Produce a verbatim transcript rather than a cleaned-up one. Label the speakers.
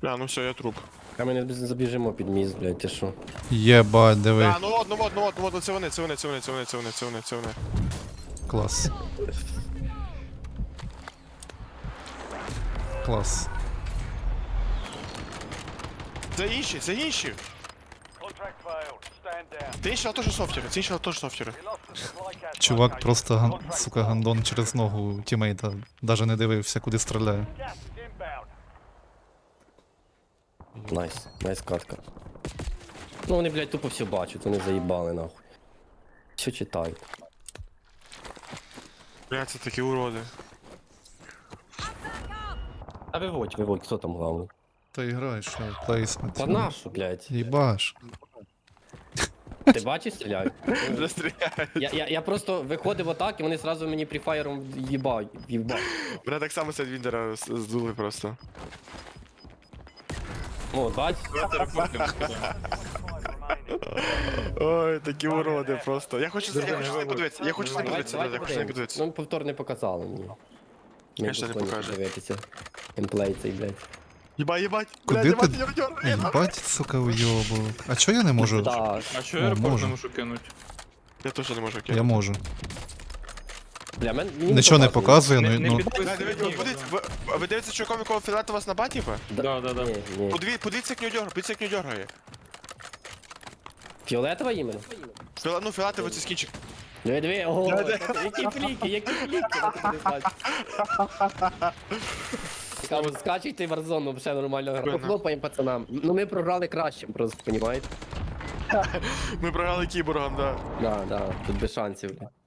Speaker 1: Бля, ну все, я труп.
Speaker 2: А ми не забіжимо під міст, блядь, ти що?
Speaker 3: Єбать, диви.
Speaker 1: А, ну от, ну от, ну от, ну от, це вони, це вони, це вони, це вони, це вони, це вони, це вони.
Speaker 3: Клас. Клас.
Speaker 1: Це інші, це інші. Це інші, але теж софтери, це інші, але теж софтери.
Speaker 3: Чувак просто, ган... сука, гандон через ногу тімейта. Даже не дивився, куди стріляє.
Speaker 2: Найс, найс катка. Ну вони, блядь, тупо все бачать, вони заїбали нахуй. Все читають.
Speaker 1: Бля, це такі уроди.
Speaker 2: А виводь, виводь, хто там главний?
Speaker 3: Та граєш, що, плейсмент.
Speaker 2: Та нашу, блядь.
Speaker 3: Їбаш.
Speaker 2: Ти бачиш, стріляють?
Speaker 1: Вже стріляють.
Speaker 2: Я, я, я просто виходив отак, і вони зразу мені префайром їбають, їбають.
Speaker 1: Мене так само серед Віндера з- здули просто.
Speaker 2: О, бач?
Speaker 1: Ой, такі уроди просто. Я хочу, я хочу з ним подивитися, я хочу з ним подивитися,
Speaker 2: Давайте
Speaker 1: я хочу з ним
Speaker 2: подивимось.
Speaker 1: подивитися.
Speaker 2: Ну, повтор не показали мені.
Speaker 1: Я ще не
Speaker 2: достойно
Speaker 1: покажу.
Speaker 2: Дивитися. Геймплей цей, блядь.
Speaker 1: Єбать, єбать,
Speaker 3: Куди
Speaker 1: блядь,
Speaker 3: ти-
Speaker 1: єбать, я вдягаю.
Speaker 3: Їбать, сука, уйобок. А чо я не можу?
Speaker 2: Так.
Speaker 4: А чё
Speaker 3: О,
Speaker 4: аэропорт
Speaker 3: можем.
Speaker 4: не можу кинуть?
Speaker 1: Я теж не можу
Speaker 3: Я
Speaker 1: кинути.
Speaker 3: можу.
Speaker 2: Бля, мен, мені
Speaker 3: Нічого не показує,
Speaker 4: Не-
Speaker 3: ну,
Speaker 4: не
Speaker 3: ну
Speaker 4: під-
Speaker 1: Бля, дивіться, от подивіться, ви, ви дивитеся, що комікова філат у вас на баті, ви?
Speaker 4: Да, да, да.
Speaker 2: Ні, ні.
Speaker 1: Подиві- Подивіться, як нього дьоргає, подивіться, як нього дьоргає.
Speaker 2: Фіолетова іменно?
Speaker 1: Філа- Ну, філатовий це скінчик.
Speaker 2: Диви, диви, ого, які фліки, які фліки, я тобі не знаю. Цікаво, скачуйте Warzone, взагалі нормально гра.
Speaker 1: Прикольно.
Speaker 2: Похлопаємо пацанам. Ну ми програли кращим просто, понімаєте?
Speaker 1: Ми програли кіборгам, да.
Speaker 2: Да, да, тут без шансів. Бля.